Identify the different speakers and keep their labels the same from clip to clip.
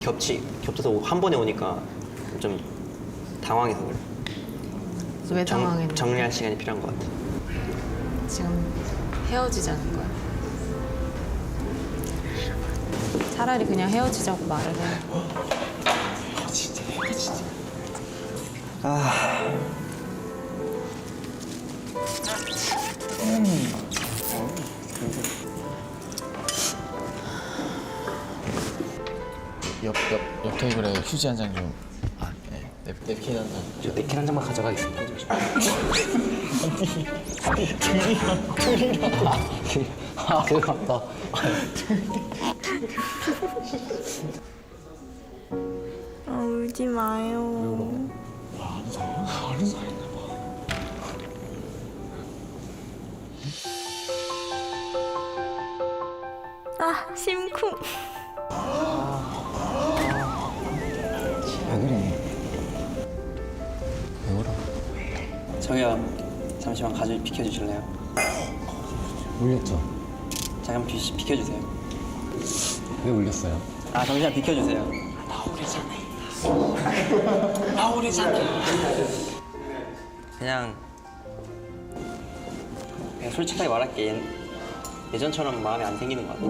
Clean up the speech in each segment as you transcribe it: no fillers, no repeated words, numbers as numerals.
Speaker 1: 겹쳐서 한 번에 오니까 좀 당황해서 그래.
Speaker 2: 왜 당황했는데?
Speaker 1: 정리할 시간이 필요한 것 같아.
Speaker 2: 지금 헤어지자는 거야. 차라리 그냥 헤어지자고 말을 해.
Speaker 3: 진짜 진짜. 옆 테이블에 휴지 한 장 좀. 네. 냅킨 한 장.
Speaker 1: 저 냅킨 한 장만 가져가겠습니다. 그거 맞다.
Speaker 4: 울지 마요.
Speaker 3: 아는 사이인가 봐.
Speaker 4: 아, 심쿵.
Speaker 3: 왜 그래? 왜 울어?
Speaker 1: 저기요, 잠시만 가지 비켜주실래요?
Speaker 3: 울렸죠?
Speaker 1: 잠깐 비켜주세요.
Speaker 3: 왜 울렸어요?
Speaker 1: 아, 잠시만 비켜주세요. 나오래잖아. 그냥 솔직하게 말할게. 예전처럼 마음에 안 생기는 것 같아.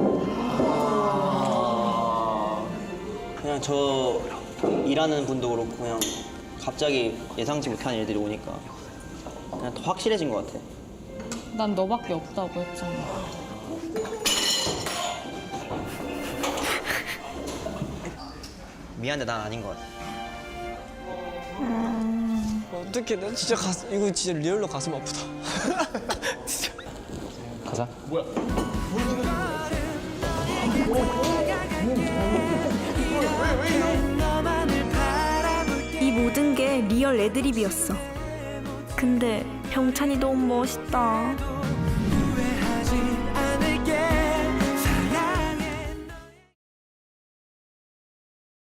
Speaker 1: 그냥 저 일하는 분도 그렇고 그냥 갑자기 예상치 못한 일들이 오니까 그냥 더 확실해진 것 같아.
Speaker 2: 난 너밖에 없다고 했잖아.
Speaker 1: 미안해, 난 아닌 것 같아.
Speaker 5: 어떡해, 나 진짜 이거 진짜 리얼로 가슴 아프다. 진짜.
Speaker 3: 가자.
Speaker 4: 이 모든 게 리얼 애드립이었어. 근데 병찬이 너무 멋있다.